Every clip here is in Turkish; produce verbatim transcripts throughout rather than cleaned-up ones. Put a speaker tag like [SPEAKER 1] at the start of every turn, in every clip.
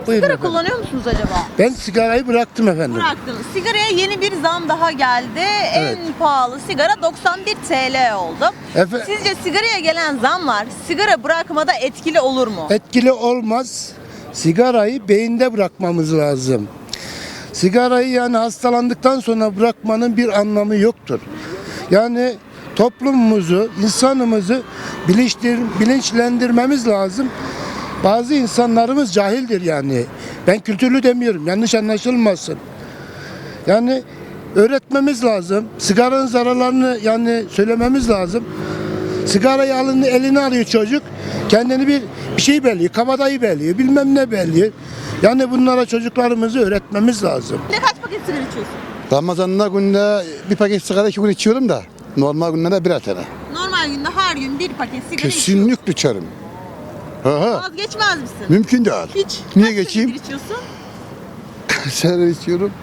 [SPEAKER 1] Buyurun
[SPEAKER 2] Sigara
[SPEAKER 1] efendim.
[SPEAKER 2] kullanıyor musunuz acaba?
[SPEAKER 1] Ben sigarayı bıraktım efendim.
[SPEAKER 2] Bıraktınız. Sigaraya yeni bir zam daha geldi.
[SPEAKER 1] Evet.
[SPEAKER 2] En pahalı sigara doksan bir T L oldu.
[SPEAKER 1] Efe-
[SPEAKER 2] Sizce sigaraya gelen zamlar sigara bırakmada etkili olur mu?
[SPEAKER 1] Etkili olmaz. Sigarayı beyinde bırakmamız lazım. Sigarayı yani hastalandıktan sonra bırakmanın bir anlamı yoktur. Yani toplumumuzu, insanımızı bilinçtir, bilinçlendirmemiz lazım. Bazı insanlarımız cahildir yani. Ben kültürlü demiyorum, yanlış anlaşılmasın. Yani öğretmemiz lazım. Sigaranın zararlarını yani söylememiz lazım. Sigarayı alın, eline alıyor çocuk. Kendini bir, bir şey belliyor, kabadayı belliyor, bilmem ne belliyor. Yani bunlara çocuklarımızı öğretmemiz lazım.
[SPEAKER 2] Ne kaç paket sigara içiyorsun?
[SPEAKER 3] Ramazan'da günde bir paket sigara iki gün içiyorum da normal günlerde birer tane.
[SPEAKER 2] Normal günde her gün bir paket sigara içiyorsun.
[SPEAKER 3] Kesinlikle içerim. Aha,
[SPEAKER 2] Vazgeçmez misin?
[SPEAKER 3] mümkün değil.
[SPEAKER 2] Hiç.
[SPEAKER 3] Niye
[SPEAKER 2] Kaç
[SPEAKER 3] geçeyim?
[SPEAKER 2] senedir içiyorsun?
[SPEAKER 3] Sigara içiyorum.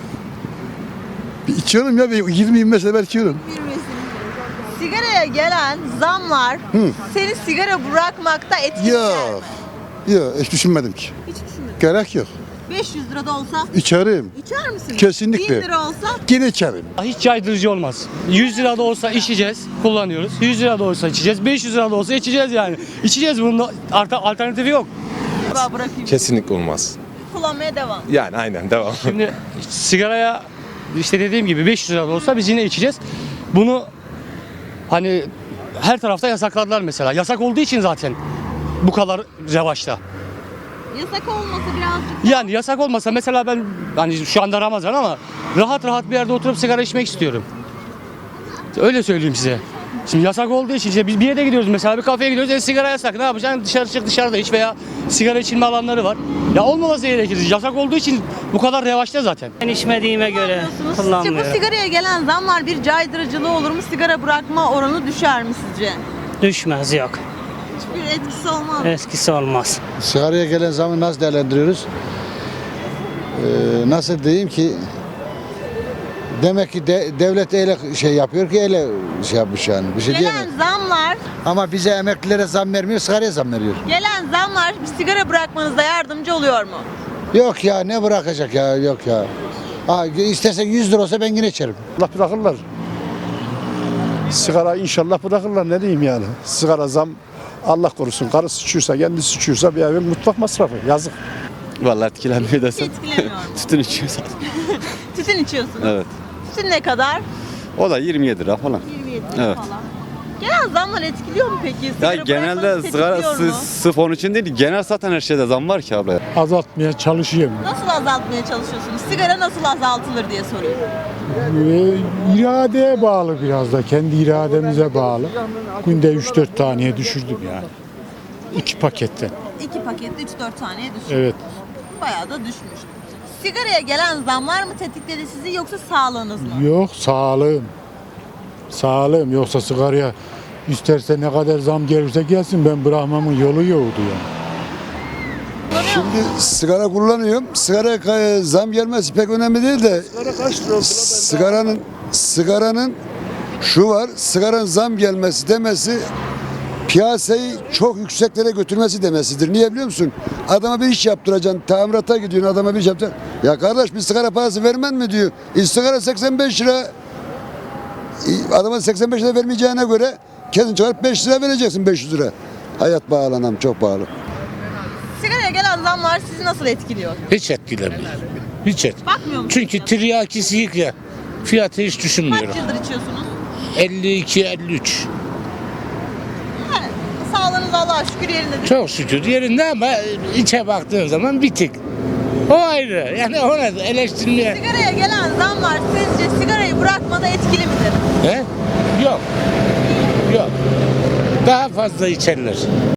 [SPEAKER 3] Bir içiyorum ya bir yirmi yirmi beş sefer içiyorum.
[SPEAKER 2] Bilmiyorsun. Sigaraya gelen zamlar
[SPEAKER 3] Hı.
[SPEAKER 2] seni sigara bırakmakta etkiler
[SPEAKER 3] Yok.
[SPEAKER 2] mi?
[SPEAKER 3] Yok hiç düşünmedim ki.
[SPEAKER 2] Hiç düşünmedim.
[SPEAKER 3] Gerek yok.
[SPEAKER 2] beş yüz lira da olsa
[SPEAKER 3] İçerim.
[SPEAKER 2] içer misin?
[SPEAKER 3] Kesinlikle.
[SPEAKER 2] bin lira olsa
[SPEAKER 3] Yine içerim.
[SPEAKER 4] Hiç caydırıcı olmaz. yüz lira da olsa içeceğiz, kullanıyoruz. yüz lira da olsa içeceğiz, beş yüz lira da olsa içeceğiz yani. İçeceğiz, bunun art- alternatifi yok.
[SPEAKER 2] daha bırakayım.
[SPEAKER 5] Kesinlikle olmaz.
[SPEAKER 2] Kullanmaya devam.
[SPEAKER 5] Yani aynen devam.
[SPEAKER 4] Şimdi sigaraya işte dediğim gibi beş yüz lira da olsa biz yine içeceğiz. Bunu hani her tarafta yasakladılar mesela. Yasak olduğu için zaten bu kadar revaçta.
[SPEAKER 2] Yasak olmasa birazcık
[SPEAKER 4] Yani yasak olmasa mesela ben hani şu anda Ramazan ama rahat rahat bir yerde oturup sigara içmek istiyorum. Öyle söyleyeyim size. Şimdi yasak olduğu için işte biz bir yere gidiyoruz mesela bir kafeye gidiyoruz e, sigara yasak ne yapacaksın dışarı çık dışarıda iç veya sigara içilme alanları var. Ya olmaması gerekir. Yasak olduğu için bu kadar revaçta zaten.
[SPEAKER 6] Ben içmediğime göre
[SPEAKER 2] kullanmıyorsunuz. Sizce bu
[SPEAKER 6] kullanmıyorum.
[SPEAKER 2] sigaraya gelen zamlar bir caydırıcılığı olur mu? Sigara bırakma oranı düşer mi sizce?
[SPEAKER 6] Düşmez yok.
[SPEAKER 2] Hiçbir etkisi olmaz.
[SPEAKER 6] Eskisi olmaz.
[SPEAKER 3] Sigaraya gelen zamı nasıl değerlendiriyoruz? Ee, nasıl diyeyim ki demek ki de, devlet öyle şey yapıyor ki öyle şey yapmış yani. Bir şey diyemem.
[SPEAKER 2] Gelen zamlar,
[SPEAKER 3] Ama bize emeklilere zam vermiyor, sigaraya zam veriyor.
[SPEAKER 2] gelen zamlar bir sigara bırakmanıza yardımcı oluyor mu?
[SPEAKER 3] Yok ya ne bırakacak ya yok ya. Ha, istesen yüz lira olsa ben yine içerim.
[SPEAKER 7] Allah bırakırlar. Sigara inşallah bırakırlar ne diyeyim yani. Sigara zam Allah korusun. Karısı içiyorsa kendisi içiyorsa bir evin mutfak masrafı yazık.
[SPEAKER 5] Vallahi etkilenmiyor
[SPEAKER 2] Hiç
[SPEAKER 5] desem.
[SPEAKER 2] etkilemiyor mu?
[SPEAKER 5] Tütün içiyorsan.
[SPEAKER 2] Tütün içiyorsunuz.
[SPEAKER 5] Evet.
[SPEAKER 2] Tütün ne kadar?
[SPEAKER 5] O da yirmi yedi lira falan.
[SPEAKER 2] yirmi yedi lira
[SPEAKER 5] Evet.
[SPEAKER 2] falan. Gelen zamlar etkiliyor mu peki?
[SPEAKER 5] Ya
[SPEAKER 2] Sigara
[SPEAKER 5] genelde
[SPEAKER 2] bırakmanızı
[SPEAKER 5] sigara
[SPEAKER 2] tetikliyor mu?
[SPEAKER 5] sı- sırf onun için değil, genel zaten her şeyde zam var ki abla. ya.
[SPEAKER 7] Azaltmaya çalışıyorum.
[SPEAKER 2] Nasıl azaltmaya çalışıyorsunuz? Sigara nasıl azaltılır diye soruyorum.
[SPEAKER 7] Ee, iradeye bağlı biraz da. Kendi irademize bağlı. Günde üç dört taneye düşürdüm yani. İki paketten.
[SPEAKER 2] İki pakette üç dört taneye düşmüş.
[SPEAKER 7] Evet.
[SPEAKER 2] Bayağı da düşmüş. Sigaraya gelen zamlar mı tetikledi sizi yoksa sağlığınız mı?
[SPEAKER 7] Yok sağlığım. Sağlığım yoksa sigaraya isterse ne kadar zam gelirse gelsin ben bırakmamın yolu yoktu yani.
[SPEAKER 3] Şimdi sigara kullanıyorum. Sigara zam gelmesi pek önemli değil de sigaranın sigaranın şu var. Sigaranın zam gelmesi demesi piyasayı çok yükseklere götürmesi demesidir. Niye biliyor musun? Adama bir iş yaptıracaksın. Tamirata gidiyorsun adama bir iş yaptıracaksın. Ya kardeş bir sigara parası vermen mi diyor. E, sigara seksen beş lira. E, adama seksen beş lira vermeyeceğine göre kendin çıkarıp beş lira vereceksin beş yüz lira. Hayat pahalı anam çok pahalı.
[SPEAKER 2] Sigaraya gelen zamlar sizi nasıl etkiliyor?
[SPEAKER 8] Hiç etkilemiyor. Hiç et.
[SPEAKER 2] Bakmıyor musunuz?
[SPEAKER 8] Çünkü tiryakisi ya. Fiyatı hiç
[SPEAKER 2] Kaç
[SPEAKER 8] düşünmüyorum.
[SPEAKER 2] yıldır içiyorsunuz?
[SPEAKER 8] elli iki elli üç.
[SPEAKER 2] Yani sağlığınız Allah'a şükür yerindedir.
[SPEAKER 8] Çok şükür yerinde ama içe baktığın zaman bitik. O ayrı. Yani ona da eleştirmeye.
[SPEAKER 2] Sigaraya gelen zamlar sizce sigarayı bırakmada etkili midir?
[SPEAKER 8] He? Yok. Yok. Daha fazla içerler.